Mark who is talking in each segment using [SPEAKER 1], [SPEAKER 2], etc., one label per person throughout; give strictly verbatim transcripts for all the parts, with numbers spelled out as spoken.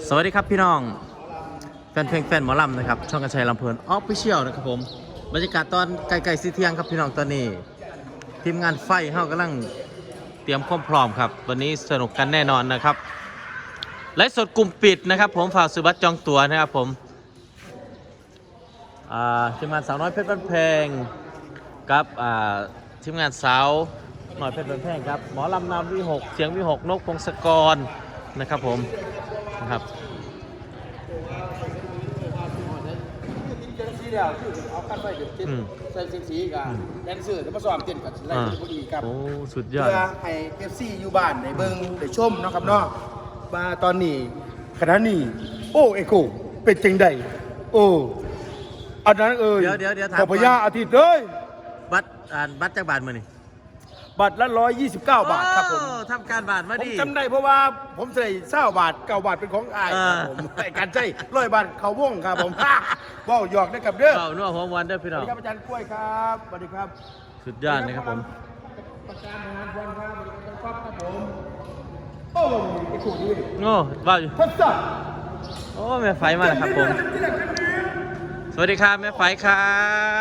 [SPEAKER 1] สวัสดีครับพี่น้องแฟนเพลงแฟนหมอลำนะครับช่องกระชัยลำเพลินออฟฟิเชียลนะครับผมบรรยากาศตอนไกลๆสีเที่ยงครับพี่น้องตอนนี้ทีมงานไฟเฮากำลังเตรียมความพร้อมครับวันนี้สนุกกันแน่นอนนะครับไลฟ์สดกลุ่มปิดนะครับผมฝากซื้อบัตรจองตั๋วนะครับผมทีมงานสาวน้อยเพชรบ้านแพงกับทีมงานสาวหน่อยเพชรบ้านแพงครับหมอลำนำวิหกเสียงวิหกนกพงศกรนะครับผมนะครับ
[SPEAKER 2] เอาขั้นไปเดี๋ยวติดใส่สีสีกับแดนเซอร์แล้วมาซ้อมเต้นกับไล่พอดีครับ
[SPEAKER 1] โอ้สุดยอด
[SPEAKER 2] เพื่อให้เอฟซีอยู่บ้านในเบิ้งได้ชมนะครับเนาะมาตอนนี้ขณะนี้โอ้เอโกเป็นจังใดโอ้อันนั้นเอ่ย
[SPEAKER 1] เดี๋ยวเดี๋ยวเดี๋ยวถาม
[SPEAKER 2] ขอพญาอาทิตย์เลย
[SPEAKER 1] บัตรอ่านบัตรจากบาทมานี่
[SPEAKER 2] บัตรละร้อยยี่สิบเก้าบาทครับผม
[SPEAKER 1] ทำการบาทมา
[SPEAKER 2] ผม
[SPEAKER 1] ดิ
[SPEAKER 2] จำได้เพราะว่าผมใส่เศร้าบาทเก้าบาทเป็นของอายครับผมแต่การใช้ร้อยบาทเขาว่องครับผมว่าวหยอกได้กับเด้อ
[SPEAKER 1] เก่านัวหัววันเด้อพี่
[SPEAKER 2] ส
[SPEAKER 1] น้
[SPEAKER 2] วั
[SPEAKER 1] อ
[SPEAKER 2] ส
[SPEAKER 1] ง
[SPEAKER 2] ดีครับอาจารย์กล้วยครับสวัสดีครับ
[SPEAKER 1] สุดยอดนะครับผม
[SPEAKER 2] ประการงานวันครับสวัสดีครับครับผมโอ้ยไอ้ขู่นี่
[SPEAKER 1] โอ้ว้าวอยู่
[SPEAKER 2] ทดสอบ
[SPEAKER 1] โอ้แม่ไฟมาแล้วครับผมสวัสดีครับแม่ไฟครับ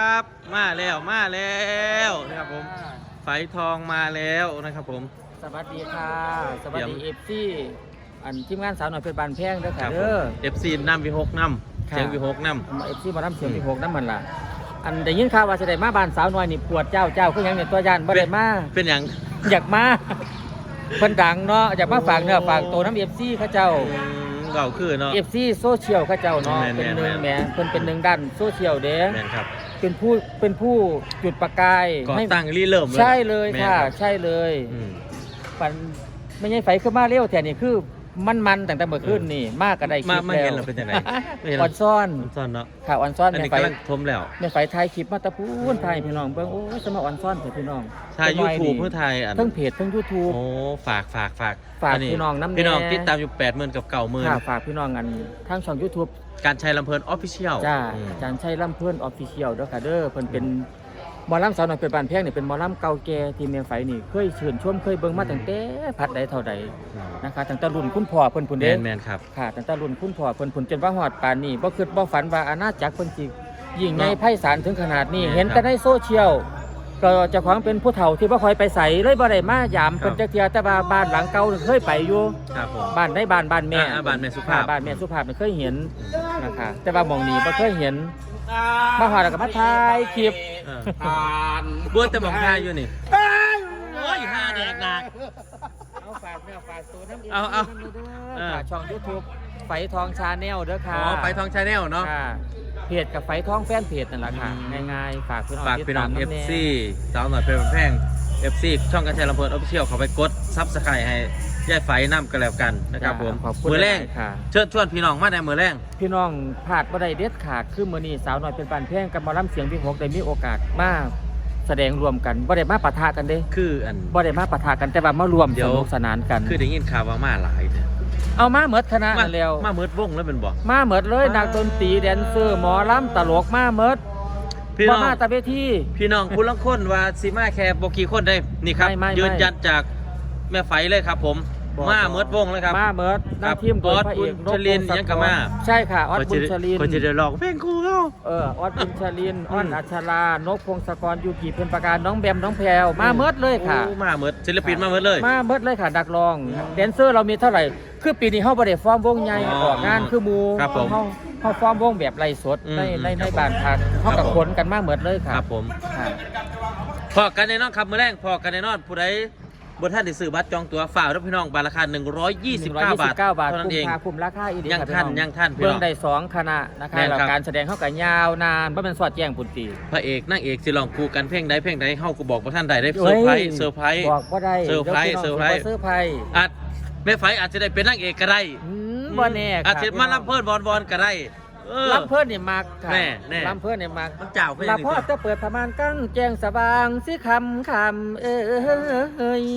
[SPEAKER 1] มาแล้วมาแล้วนะครับผมไฟทองมาแล้วนะครับผม
[SPEAKER 3] สวัสดีค่ะสวัสดี
[SPEAKER 1] เยี่
[SPEAKER 3] เอย
[SPEAKER 1] ม
[SPEAKER 3] ฟซีอันทีมงานสาวหน่อยเพชรบานแพงเด้อ
[SPEAKER 1] ค
[SPEAKER 3] ค่ะ
[SPEAKER 1] รับผ
[SPEAKER 3] เด้อ
[SPEAKER 1] ม เอฟ ซี น้ำวิหกน้ำ
[SPEAKER 3] ค่ะ
[SPEAKER 1] เสียงวิหกน้
[SPEAKER 3] เอฟซีมาทำเสียงมีหกน้ำมันล่ะอันได้ยินข่าวว่าจะได้มาบ้านสาวน้อยนี่ปวดเจ้าเจ้าคือหยังเนี่ยตัวยานบ่ได้มา
[SPEAKER 1] ำเป็นอย่าง
[SPEAKER 3] อยากมาเพิ่นดังเนาะอยากมาฝากเนื้อฝากตัวน้ำเอฟซีเขาเจ้า
[SPEAKER 1] อืมเก่าคือเนาะ
[SPEAKER 3] เอฟซีโซเชียลเขาเจ้าเนาะ
[SPEAKER 1] แม่นๆ
[SPEAKER 3] เป็นหนึ่ง
[SPEAKER 1] แม่
[SPEAKER 3] แหม
[SPEAKER 1] น
[SPEAKER 3] เพิ่นเป็นหนึ่งด้านโซเชียลเด้
[SPEAKER 1] แม่นครับ
[SPEAKER 3] เป็นผู้เป็นผู้จุดประกาย
[SPEAKER 1] ก่อ
[SPEAKER 3] ให้
[SPEAKER 1] ตั้งรีเริ่ม
[SPEAKER 3] ใช่เลย
[SPEAKER 1] แม่น
[SPEAKER 3] ค่ะ
[SPEAKER 1] รับ
[SPEAKER 3] ใช่เลย
[SPEAKER 1] อืม
[SPEAKER 3] ปันไม่ใช่ไฟขึ้นมาเร็วแต่นี่คือมันมันตั้งแต่เมื่อคืนนี่มากก็ได้คลิป
[SPEAKER 1] มา
[SPEAKER 3] แล้ว
[SPEAKER 1] มาเห็นเราเป็นยังไงไม่เห็น
[SPEAKER 3] อ่อนซ่อน
[SPEAKER 1] ผมซ่อนเนาะ
[SPEAKER 3] ข่าวอ่อนซ่อน
[SPEAKER 1] อัน
[SPEAKER 3] ใน
[SPEAKER 1] นี้
[SPEAKER 3] ไฟ
[SPEAKER 1] กำลังทมแล้ว
[SPEAKER 3] ในไฟไทยคลิปมาตะพูนไทยพี่น้องเบิ่งโอ้ยสมาอ่อนซ่อนเถอะพี่น้อง
[SPEAKER 1] ใช่
[SPEAKER 3] เป็น
[SPEAKER 1] ยู
[SPEAKER 3] น้อ
[SPEAKER 1] ทูบ
[SPEAKER 3] ดี
[SPEAKER 1] เพื่อไทยอัน
[SPEAKER 3] ทั้งเพจทั้งยูทูบ
[SPEAKER 1] โอ้ฝากฝากฝาก
[SPEAKER 3] ฝาก
[SPEAKER 1] อั
[SPEAKER 3] พี่น้องน้ำแน่
[SPEAKER 1] พี่น้องติดตามอยู่แปดหมื่นกับเก่าหมื่น
[SPEAKER 3] ค่ะฝากพี่น้องกันทั้งช่องยูทูบ
[SPEAKER 1] การใช้ลำเพลินออฟฟิเชียล
[SPEAKER 3] จ้าอาจารย์ชัยล่ำเพื่อนออฟฟิเชียลเด้อค่ะเด้อเพิ่นเป็นหมอลำสาวน้อยเป็นบ้านแพงนี่เป็นหมอลำเก่าแก่ที่เมียไฟนี่เคยเชิญชวนเคยเบิ่งมาตั้งแต่พัดใดเท่าใดนะคะตั้งแต่รุ่นคุณพ่อเพิ่นพุ่น
[SPEAKER 1] แม
[SPEAKER 3] เด้
[SPEAKER 1] นแมนครับ
[SPEAKER 3] ค่ะตั้งแต่รุ่นคุณพ่อเพิ่นผุนจนว่าฮอดป่านนี้บ่คิดบ่ฝันว่าอาณาจักรเพิ่นสิยิ่งใหญ่ไพศาลถึงขนาดนี้
[SPEAKER 1] แม่น
[SPEAKER 3] เห็นแต่ในโซเชียลก็เจ้าของเป็นผู้เฒ่าที่บ่ค่อยไปไสเลยบ่ได้มายาม
[SPEAKER 1] ครับ
[SPEAKER 3] เพิ่นจักเที่ยแต่ว่าบ้านหลังเก่านี่เคยไปอยู่
[SPEAKER 1] ครับผม
[SPEAKER 3] บ้านในบ้านบ้านแม่
[SPEAKER 1] อ่าบ้านแม่สุภาพ
[SPEAKER 3] ค่ะบ้านแม่สุภาพนี่เคยเห็นนะคะแต่ว่าหม่องนี้บ่เคยเห็นมาฮอดแล้วก็มาถ่ายคลิป
[SPEAKER 1] เออ
[SPEAKER 2] อ่าน
[SPEAKER 1] บัวแต่หมองทายอยู่นี่โอ้ยห้าแดกหนัก
[SPEAKER 3] เอาฝากเนื้อฝากตัวน้ำ
[SPEAKER 1] เอาเอา
[SPEAKER 3] เด้อค่ะช่อง YouTube ไฟทองชาแนลเด้อ
[SPEAKER 1] อ๋
[SPEAKER 3] ค่ะ
[SPEAKER 1] อไปทองชาแนลเนาะ
[SPEAKER 3] ค่ะเพจกับไฟท้องแฟนเพจนั่นแหละค่ะ
[SPEAKER 1] อืม
[SPEAKER 3] ง่ายๆฝากพี่น้อง
[SPEAKER 1] ฝากพี่น้อง
[SPEAKER 3] ติดตาม
[SPEAKER 1] เอฟ
[SPEAKER 3] ำแน่
[SPEAKER 1] ซีสาวหน่อยเป็นแพง เอฟ ซี ช่องการใช้ลำเพลินออฟฟิเชียลเขาไปกดซับสไครต์ให้ย่ายไฟน้ำกันแล้วกันนะครับผม
[SPEAKER 3] ขอบคุณ
[SPEAKER 1] มือแรง
[SPEAKER 3] หลายๆค่ะ
[SPEAKER 1] เชิญชวนพี่น้องมาในมือแรง
[SPEAKER 3] พี่น้องพลาดบ่ได้เด็ดขาดคือมื้อนี้สาวน้อยเป็นปานแพงกับหมอลำเสียงพี่หกได้มีโอกาสมาแสดงรวมกันบ่ได้มาปะทะกันเด้
[SPEAKER 1] คืออัน
[SPEAKER 3] บ่ได้มาปะทะกันแต่ว่ามารวม
[SPEAKER 1] เดี๋
[SPEAKER 3] ส
[SPEAKER 1] ยว
[SPEAKER 3] นุกสนานกัน
[SPEAKER 1] คือได้ยินข่าวว่ามาหลายเนี่ย
[SPEAKER 3] เอามาเหมิดคณะ
[SPEAKER 1] มา
[SPEAKER 3] นั่นแล้ว
[SPEAKER 1] มาเมิดวงแล้วเป็นบอก
[SPEAKER 3] มาเหมิดเลย
[SPEAKER 1] มานั
[SPEAKER 3] นักดนตรีแดนเซอร์หมอลำตลกมาเหมิด
[SPEAKER 1] พี่น้
[SPEAKER 3] บ่
[SPEAKER 1] อง
[SPEAKER 3] มาแตะเวที
[SPEAKER 1] พี่น้องคุณละคนว่าสิมาแค่บกี่คนได้นี่ครับ
[SPEAKER 3] ไม่ไม่ไม่
[SPEAKER 1] ยืนยันจากแม่ไฟเลยครับผม
[SPEAKER 3] บ่
[SPEAKER 1] มา
[SPEAKER 3] บ่
[SPEAKER 1] เมิดวงเลยครับ
[SPEAKER 3] มาเหมิด
[SPEAKER 1] ครับ
[SPEAKER 3] นำทีมโดยพระเอก
[SPEAKER 1] ออสบุญชลิน
[SPEAKER 3] พงศกร
[SPEAKER 1] ยังกะมา
[SPEAKER 3] ใช่ค่ะออสบุญชลิน
[SPEAKER 1] คนจะได้ลองเพลงครูเขา
[SPEAKER 3] เออออดบุญชลิน อ้อน
[SPEAKER 1] อืม
[SPEAKER 3] อัชรานกพงศกรยูกิเพ็ญประการน้องแบมน้องแพรวมาเมิดเลยค่ะ
[SPEAKER 1] โอ้มาเมิดศิลปินมาเมิดเลย
[SPEAKER 3] มาเมิดเลยค่ะดักรองแดนเซอร์เรามีเท่าไหร่ คือปีนี้เฮาบ่ได้ฟอร์มวงใหญ่
[SPEAKER 1] อ๋อ
[SPEAKER 3] ออกงานคือหมู่
[SPEAKER 1] ครับผม
[SPEAKER 3] เฮาเฮาฟอร์มวงแบบไร้สด
[SPEAKER 1] อืม
[SPEAKER 3] ในใน
[SPEAKER 1] ค
[SPEAKER 3] ใน
[SPEAKER 1] รับ
[SPEAKER 3] บ้านพักเฮา
[SPEAKER 1] ครั
[SPEAKER 3] กั
[SPEAKER 1] บบ ผม
[SPEAKER 3] ขนกันมาเมิดเลยค่ะ
[SPEAKER 1] ครับผม
[SPEAKER 3] ค่ะ
[SPEAKER 1] พอกันแน่นอนครับมือแรงพอกันแน่นอนผู้ใดบนท่านได้ซื้อบัตรจองตั๋วฝ่ากรับพี่น้องบาทราคาหนึ่งร้อยยี่สิบเก้าบาท
[SPEAKER 3] บาท
[SPEAKER 1] เท่านั้น
[SPEAKER 3] คุ้
[SPEAKER 1] เอ
[SPEAKER 3] ม
[SPEAKER 1] ง
[SPEAKER 3] ค่าคุ้มราคาอีดี
[SPEAKER 1] ยัง
[SPEAKER 3] ค่ะ
[SPEAKER 1] ทัน
[SPEAKER 3] พี่อง
[SPEAKER 1] ยังทันพี่น้อง
[SPEAKER 3] เบิ่งได้สองคณะนะคะ
[SPEAKER 1] แม่น
[SPEAKER 3] แล้ว
[SPEAKER 1] ครับ
[SPEAKER 3] การแสดงเฮาก็ยาวนานบ่แม่นสอดแจ้งปุ่นตี
[SPEAKER 1] พระเอกนางเอกสิลองคู่กันเพลงใดเพลงใดเฮาก็บอกว่าท่านใดได้เซอร์ไพรส์เซอร์ไพรส์
[SPEAKER 3] บอกบ่ได้
[SPEAKER 1] เซอร์ไพรส์
[SPEAKER 3] ดี๋ยว
[SPEAKER 1] เซอร์ไพรส์
[SPEAKER 3] พี่น้งสิบ่เซอร์ไพรส์
[SPEAKER 1] อาจแม่ไฟอาจจะได้เป็นนางเอกก็ได้
[SPEAKER 3] อืมบ่แน่ค่ะ
[SPEAKER 1] อาจจะมาลำเพิ่นบอลบอลก็ได้เออ
[SPEAKER 3] ลำเพิ่นนี่มักค่ะ
[SPEAKER 1] แน่แน่
[SPEAKER 3] ลำเพิ่นนี่มัก
[SPEAKER 1] มันเจ้าเพิ่น
[SPEAKER 3] ลา
[SPEAKER 1] นี่
[SPEAKER 3] พ่อ
[SPEAKER 1] ตัว
[SPEAKER 3] จะเปิดประมาณกั้งแจ้งสว่างสิคำคำเอ้ย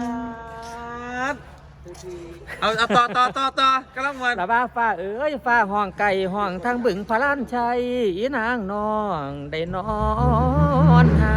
[SPEAKER 1] เอาเอาต่อต่อต่อต่อกำลังวัน
[SPEAKER 3] ละว่าฟ้าเอ้ยฟ้าห้องไก่ห้องทางบึงพระลานชัยอีนางน้องได้นอนหาม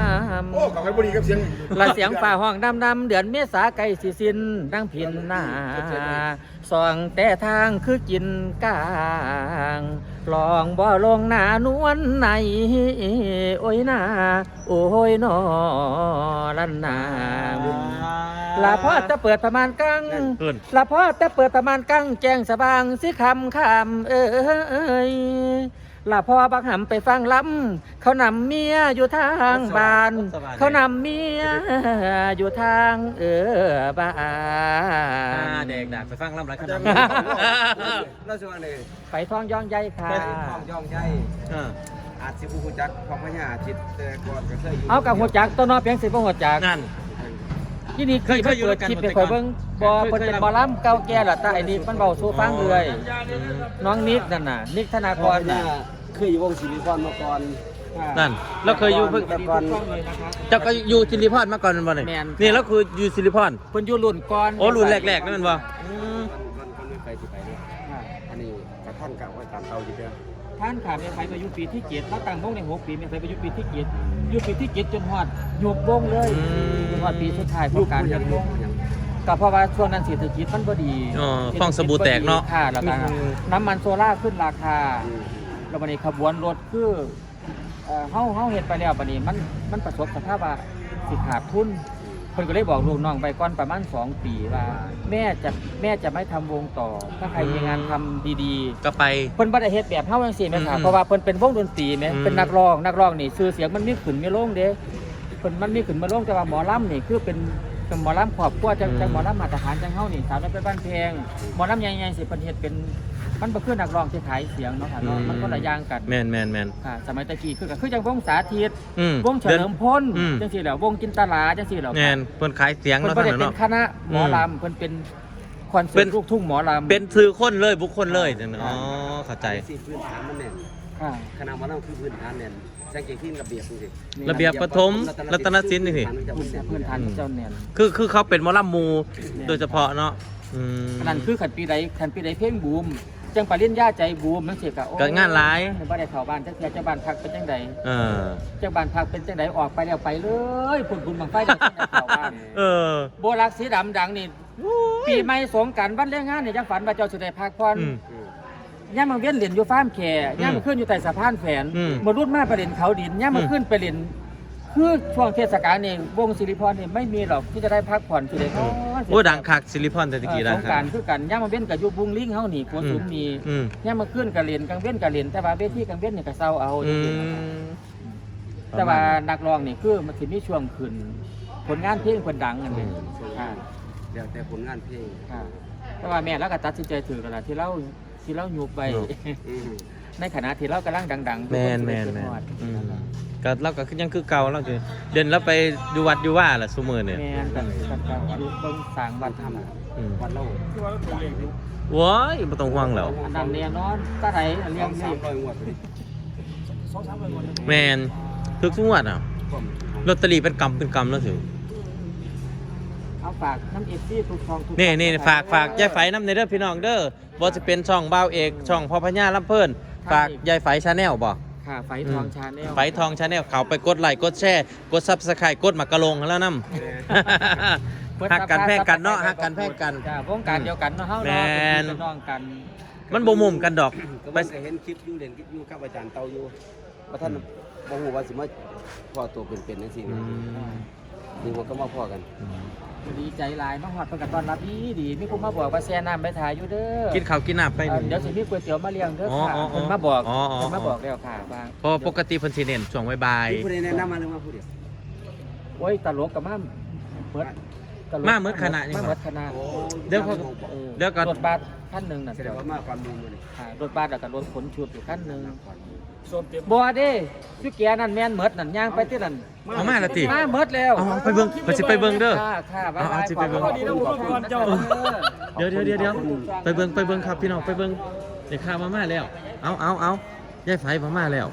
[SPEAKER 2] โอ้ขอให้บุรีกับเสียง
[SPEAKER 3] ละเสียงฝ่าห้องดำดำเดือนเมษาไก่สิสิ้นดังพินหน้าส่องแต่ทางคือกินกลางลองบ่ลงหน้านวลในโอ้ยนาโอ้ยนอลันนาลาพ่อจะเปิดประมาณกังลาพ่อจะเปิดประมาณกังแจ้งสบางสิคำคำเอ้ยลาพ่อบักหำไปฟังลำเขานำเมียอยู่ทางบ้านเขานำเมียอยู่ทางเออบ้าน
[SPEAKER 1] เด็กดักไปฟังลำไรขนาด
[SPEAKER 4] เราชวนเลย
[SPEAKER 3] ไปท้องย่องใหญ่ค่ะ
[SPEAKER 4] ทองย่องใหญ่อาจสิบูจักของพญาจิตแต่ก่อนก็เคยอยู่
[SPEAKER 3] เอากับหัวจักต้นนอเพียงสิบหัวจัก
[SPEAKER 1] นั่น
[SPEAKER 3] ที่นี่
[SPEAKER 1] เคยเคยอยู่
[SPEAKER 3] เปิ
[SPEAKER 1] ด้วยกัน
[SPEAKER 3] ดคลิป
[SPEAKER 1] หมด
[SPEAKER 3] ไป
[SPEAKER 1] แต่
[SPEAKER 3] คอย
[SPEAKER 1] ก่อน
[SPEAKER 3] เบิ้งบอ
[SPEAKER 1] เคย
[SPEAKER 3] เพิ่น
[SPEAKER 1] เคย
[SPEAKER 3] เป็นหมอลำเก่าแก่ละแต่ไอ้นี่มันเบาสู้ฟังเลยน้องนิกนั่นน่ะนิกธนากรน่ะ
[SPEAKER 4] เคยอยู่วงศิริพรมาก่อน
[SPEAKER 1] นั่นแล้วเคยอยู่เพิ่ง
[SPEAKER 4] แต่ก่อน
[SPEAKER 1] เจ้าก็อยู่สิริพรมาก่อนมันบ่นี่
[SPEAKER 3] แม่น
[SPEAKER 1] นี่แล้วคืออยู่สิริพร
[SPEAKER 3] เพิ่นอยู่รุ่นก่อน
[SPEAKER 1] โอ้รุ่นแรกๆนั่นมันบ่
[SPEAKER 4] คนคนไม่ไปที่ไปด้วยอันนี้กระท่อนเก่าไว้ตามเตาอยู่เด้อ
[SPEAKER 3] ท่านขาเมียไฟไปอยู่ปีที่เจ็ดแล้วตั้งวงในหกปีเมียไฟไปอยู่ปีที่เจ็ดอยู่ปีที่เจ็ดจนฮอดหยุบวงเลยจนฮอดปีสุดท้ายของการหยุบวงก็เพราะว่าช่วงนั้นเศรษฐกิจมันบ่ดี
[SPEAKER 1] อ๋อฟองสบู่แตกเนาะ
[SPEAKER 3] ค่ะแล้วก็น้ำมันโซล่าขึ้นราคา แล้วบัดนี้ขบวนรถคือเอ่อเฮาเฮาเฮ็ดไปแล้วบัดนี้มันมันประสบสภาพว่าสิขาดทุนเพิ่นก็เลยบอกลูกน้องไปก่อนประมาณสองปีว่าแม่จะแม่จะไม่ทำวงต่อถ้าใครมีงานทำดีๆ
[SPEAKER 1] ก็ไป
[SPEAKER 3] เพิ่นบ่ได้เฮ็ดแบบเฮาจังซี่แม่นค่ะ
[SPEAKER 1] อืม
[SPEAKER 3] เพราะว่าเพิ่นเป็นวงดนตรีแม่
[SPEAKER 1] อืม
[SPEAKER 3] เป็นนักร้องนักร้องนี่ชื่อเสียงมันมีขึ้นมีลงเด้เพิ่นมันมีขึ้นมีลงแต่ว่าหมอลำนี่คือเป็นเป็นหมอลำครอบครัวจังจังหมอลำมาตรฐานจังเฮานี่สาวน้อยเพชรบ้านแพงหมอลำใหญ่ๆสิเพิ่นเฮ็ดเป็นมันบ่คือนักร้องที่ขายเสียงเนาะค่ะเนาะมันคนละอย่างกัน
[SPEAKER 1] แม่นแม่นแม่น
[SPEAKER 3] ค่ะสมัยตะกี้คือก็คือจังวงสาธิต
[SPEAKER 1] อืม
[SPEAKER 3] วงเฉลิมพล
[SPEAKER 1] อืม
[SPEAKER 3] จังซี่แหล้ววงจินตลาจังซี่แหล้ว
[SPEAKER 1] แม่นเพิ่นขายเสียง
[SPEAKER 3] เพิ่น
[SPEAKER 1] เนาะ
[SPEAKER 3] บ่ได้
[SPEAKER 1] ท่าน
[SPEAKER 3] เป็
[SPEAKER 1] เนาะ
[SPEAKER 3] นคณะหมอลำเพิ่นเป็นคอนเสิ
[SPEAKER 1] เป็
[SPEAKER 3] ร์
[SPEAKER 1] น
[SPEAKER 3] ตลูกทุ่งหมอลำ
[SPEAKER 1] เป็นสื่อคนเลยบุคคลเลยจังอ๋อเข้าใจ
[SPEAKER 4] สิพื้นฐานมันแน่น
[SPEAKER 3] ค่ะ
[SPEAKER 4] คณะมันต้องคือพื้นฐานแน่นแจ้งเก่งที่ระเบียบจริง
[SPEAKER 1] ระเบียบปฐมรัตนศิลป์นี่สิ
[SPEAKER 3] พื้นฐานเจ้าแน่น
[SPEAKER 1] คือคือเขาเป็นหมอลำมูโดยเฉพาะเนาะอืม
[SPEAKER 3] อันนั้นคือขันปีใดขันปีใดเพลงบูมจังปริญญาใจบูมมันสิกะโอ้
[SPEAKER 1] ก็งานหลาย
[SPEAKER 3] บ่ได้เข้าบ้านจังเทื่อเจ้าบ้านพักเป็นจังใด
[SPEAKER 1] เออ
[SPEAKER 3] เจ้าบ้านพักเป็นจังใดออกไปแล้วไปเลยพุ่นบุญบังไฟได้จังได้เข้าบ้าน
[SPEAKER 1] เออ
[SPEAKER 3] โบลักสีดำดังนี่ปีใหม่สงกรานต์วันแรงงานนี่จังฝันว่าเจ้าสิได้พักผ่อน
[SPEAKER 1] อืม
[SPEAKER 3] ย่ามมาเวียนเหรียญอยู่ฟาร์มแขย่ามมาขึ้นอยู่ใต้สะพานแฝน
[SPEAKER 1] อืม
[SPEAKER 3] มารุ่นมาไปเหรียญเขาดินย่ามมา
[SPEAKER 1] อืม
[SPEAKER 3] ขึ้นไปเหรียญคือช่วงเทศกาลนี่วงศิริพรนี่ไม่มีหรอกที่จะได้พักผ่อนสิได้นอน
[SPEAKER 1] โอ้ดังคักซิลิพอนแต่ตะกี้
[SPEAKER 3] เอ
[SPEAKER 1] ดั
[SPEAKER 3] อง สง
[SPEAKER 1] คั
[SPEAKER 3] กราก รคือกันย่ามมาเว้นกับอยู่บุงลิงเฮานี่กัวสูงนี่
[SPEAKER 1] อืม
[SPEAKER 3] ย่ามมาขึ้นกับเหรียญกลางเว้นกับเหรียญแต่ว่าเวทีกลางเว้นนี่ก็เศร้าเอา
[SPEAKER 1] อืม
[SPEAKER 3] แต่ว่านักร้องนี่คือมันสิมีช่วงขึ้นผลงานเพลงเพิ่นดังอันนี้ค่ะ
[SPEAKER 4] เดี๋ยวแต่ผลงานเพลง
[SPEAKER 3] ค่ะแต่ว่าแม่เราก็ตัดสินใจถือแล้วล่ะที่เราที่เรายุบไป ในขณะที่เรากำลังดังๆ
[SPEAKER 1] แมนแมน
[SPEAKER 3] ทุกค
[SPEAKER 1] แม
[SPEAKER 3] สิ
[SPEAKER 1] น
[SPEAKER 3] ได้
[SPEAKER 1] อืมก็เราก็คือยังคือเก่าเราคือเดินแล้วไปดูวัดดูว่าล่ะซุมื้อเนี่ย
[SPEAKER 3] แม่นกันกันกันอยู่เบิ่งสร้างวัดทำ
[SPEAKER 1] อืม
[SPEAKER 4] วันเล่า
[SPEAKER 1] ว้ายบ่ต้องห่วงแล้ว
[SPEAKER 3] อันนั้นแน่นอนตาไหนเลี้ยง
[SPEAKER 4] สา
[SPEAKER 3] สิ
[SPEAKER 4] มร้อยงวดเลย
[SPEAKER 1] แมนทุกทุกงวดอ่ะลอตเตอรี่เป็นกำเป็นกำแล้วสิ
[SPEAKER 3] เอาฝากน้ำเอฟซีทุกช่องทุก
[SPEAKER 1] นี่นี่
[SPEAKER 3] ช่อง
[SPEAKER 1] ฝากฝากยายไฝน้ำในเด้อพี่น้องเด้อบ่จะเป็นช่องบ่าวเอกช่องพ่อพญาลำเพิ่นฝากยายไฝชาแนลบ่
[SPEAKER 3] ค่ะไฟทองชาแนล
[SPEAKER 1] ไฝทองชาแนลเขาไปกดไลค์กดแชร์กด Subscribe กดหมากกะลงแล้วนำ หักกันแพงกันเนาะหักกันแพงกัน
[SPEAKER 3] จ้าวงการเดียวกันเนาะเฮา
[SPEAKER 1] แม่
[SPEAKER 3] เนาะเป็น
[SPEAKER 1] น
[SPEAKER 3] พี่เป็นน้องกัน
[SPEAKER 1] มันบ่มุมกันดอก
[SPEAKER 4] ก็
[SPEAKER 1] ไป
[SPEAKER 4] ไม่เคยเห็นคลิปอยู่เรียนคลิปอยู่กับอาจารย์เตาอยู่ว่าท่านบ่ฮู้ว่าสิมาพอตัวเป็นๆจังซี่
[SPEAKER 1] อืม
[SPEAKER 4] นี่ว่าก็มาพอกัน
[SPEAKER 3] ดีใจหลายมาฮอดเพิ่นก็ต้อนรับดีดีมีผู้มาบอกว่าแช่น้ำไปถ่ายอยู่เด้อ
[SPEAKER 1] กินข้าวกินน้ำไป
[SPEAKER 3] เอ่อเดี๋ยวสิมีก๋วยเตี๋ยวมาเลี้ยงเด้อ
[SPEAKER 1] อ๋อ
[SPEAKER 3] ค่ะ
[SPEAKER 1] อ๋ออ๋อ
[SPEAKER 3] เพิ่นมาบอก
[SPEAKER 1] อ๋ออ๋อ
[SPEAKER 3] เพิ่นมาบอกแล้วค่ะว่า
[SPEAKER 1] เพราะปกติเพิ่นสิเน้นช่วงบ่าย
[SPEAKER 4] มีผู้ใดแนะนำมาหรือมาผู้เดียว
[SPEAKER 3] โอ้ยตลกกับมาเมิดตลก
[SPEAKER 1] มาเมิดคณะนี่
[SPEAKER 3] มาเมิดคณะ
[SPEAKER 4] โอ้
[SPEAKER 1] เดี๋ยวเขา
[SPEAKER 3] ออ
[SPEAKER 1] เดี๋ยวก่อน
[SPEAKER 3] รถบัสคันหนึงน่ะ
[SPEAKER 4] แสดงว่ามาก่อนหมู่มื้อนี้
[SPEAKER 3] ค่ะรถบัสแล้วก็รถขนชุดอยู่คันหนึงบ่เด้อยู่แกนั่นแม่นเมิดนั่นย่างไปที่นั่น
[SPEAKER 1] ๆเอามาละติ
[SPEAKER 3] มาเมิดแล้ว
[SPEAKER 1] เอาไปเบิ่งไปสิไปเบิ่งเด้อ
[SPEAKER 3] ค่ะค่ะบ๊าย
[SPEAKER 1] เอา
[SPEAKER 3] บาย
[SPEAKER 1] เอาสิไปเบิ่ง
[SPEAKER 3] ขอบคุณขอบคุณเจ้า
[SPEAKER 1] เดี๋ยวเดี๋ยวเดี๋ยวเดี๋ยวไปเบิ่งไปเบิ่งครับพี่น้องไปเบิ่งเดี๋ยวข้าวมาม่าแล้ว เอาเอาเอายายไฝมาม่าแล้ว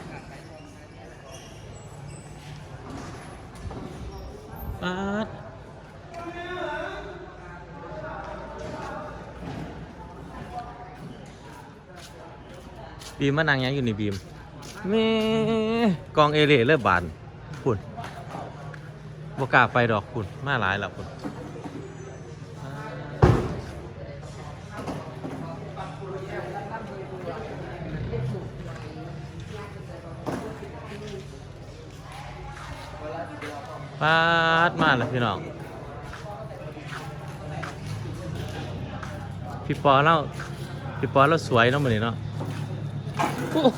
[SPEAKER 1] ปาดบีมมานั่งยังอยู่นี่บีมแม่กองเอเล่เลิกบานพุ่นบ่กล้าไปดอกคุณมาหลายแล้วคุณปาดมาแล้วพี่น้องพี่ปอเล่าพี่ปอเราสวยเนาะมื้อนี้เนาะโอ้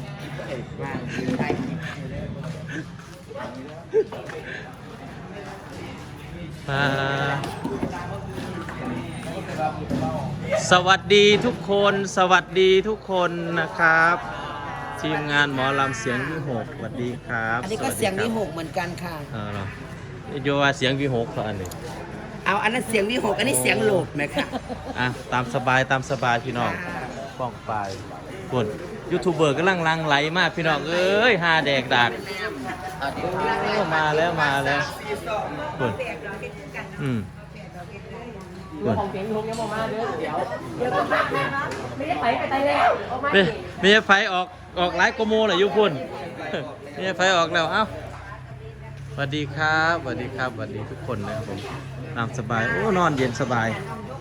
[SPEAKER 1] ปาดสวัสดีทุกคนสวัสดีทุกคนนะครับทีมงานหมอลำเสียงวิหกสวัสดีครับ
[SPEAKER 5] อันนี้ก็เสียงวิหกเหมือนกันค่ะ
[SPEAKER 1] เออเหรอโยว่าเสียงวิหกเหรออันนี้
[SPEAKER 5] เอาอันนั้นเสียงวิหกอันนี้เสียงโหลดไหมคะ
[SPEAKER 1] อ่ะตามสบายตามสบายพี่น้องป้องไปคนยูทูบเบอร์กำลังลังไหลมากพี่น้องเอ้ยฮาแดกดักโอ้มาแล้วมาแล้วคนอืมคน
[SPEAKER 3] เสียงลูกยังมาเด้อเดี๋ยวเดี๋ยวไม่ได้ไปไปไตแล้วออกมา
[SPEAKER 1] มีมีไฟออกออกไลฟ์โกโมเลยยุพุ่น มีไฟออกแล้วเอ้าสวัสดีครับสวัสดีครับสวัสดีทุกคนนะครับผมนอนสบายโอ้นอนเย็นสบาย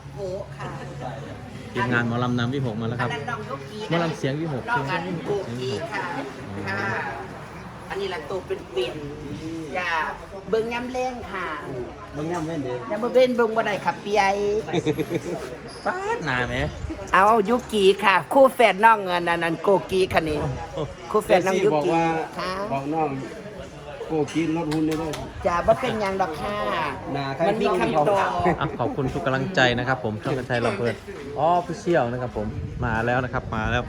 [SPEAKER 1] ทีมงานหมอลำนำวิหกมาแล้วครับหมอลำเสียงวิหก
[SPEAKER 5] น้อง
[SPEAKER 1] เสีย
[SPEAKER 5] อั
[SPEAKER 1] ง
[SPEAKER 5] น
[SPEAKER 1] วิห
[SPEAKER 5] โก
[SPEAKER 1] กเสียงวิ
[SPEAKER 5] กี
[SPEAKER 1] หก
[SPEAKER 5] ค่ะค่ะ อันนี้ละตัวเป็นเปลี่ยนอย่าเบิ่งย้ำแรงค่ะ
[SPEAKER 4] บางย่ำเว้นเด้อ
[SPEAKER 5] อย่ามาเว้นเบิ่งบ่ได้ค่ะเปีย
[SPEAKER 1] ป้าดหนาไหม
[SPEAKER 5] เอายุกีค่ะ คู่แฝดน้องเงินอันนั้นโกกีค่ะนี่คู่แฝดน้องยุ
[SPEAKER 4] บอก
[SPEAKER 5] กี
[SPEAKER 4] ว่า
[SPEAKER 5] ค่ะ
[SPEAKER 4] บอกน้องโกกินรถหุ่นได้ด้วย
[SPEAKER 5] จะบ่เป็นหยังดอกค่ะ
[SPEAKER 4] หน้าใคร
[SPEAKER 5] มันมีคำตอบ
[SPEAKER 1] อ่ะขอบคุณทุกกำลังใจนะครับผมช่องกันชัยลำเพลินอ๋อพี่เชี่ยวนะครับผมมาแล้วนะครับมาแล้ว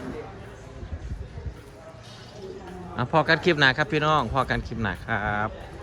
[SPEAKER 1] อ่ะพอกันคลิปหนาครับพี่น้องพอกันคลิปหนาครับ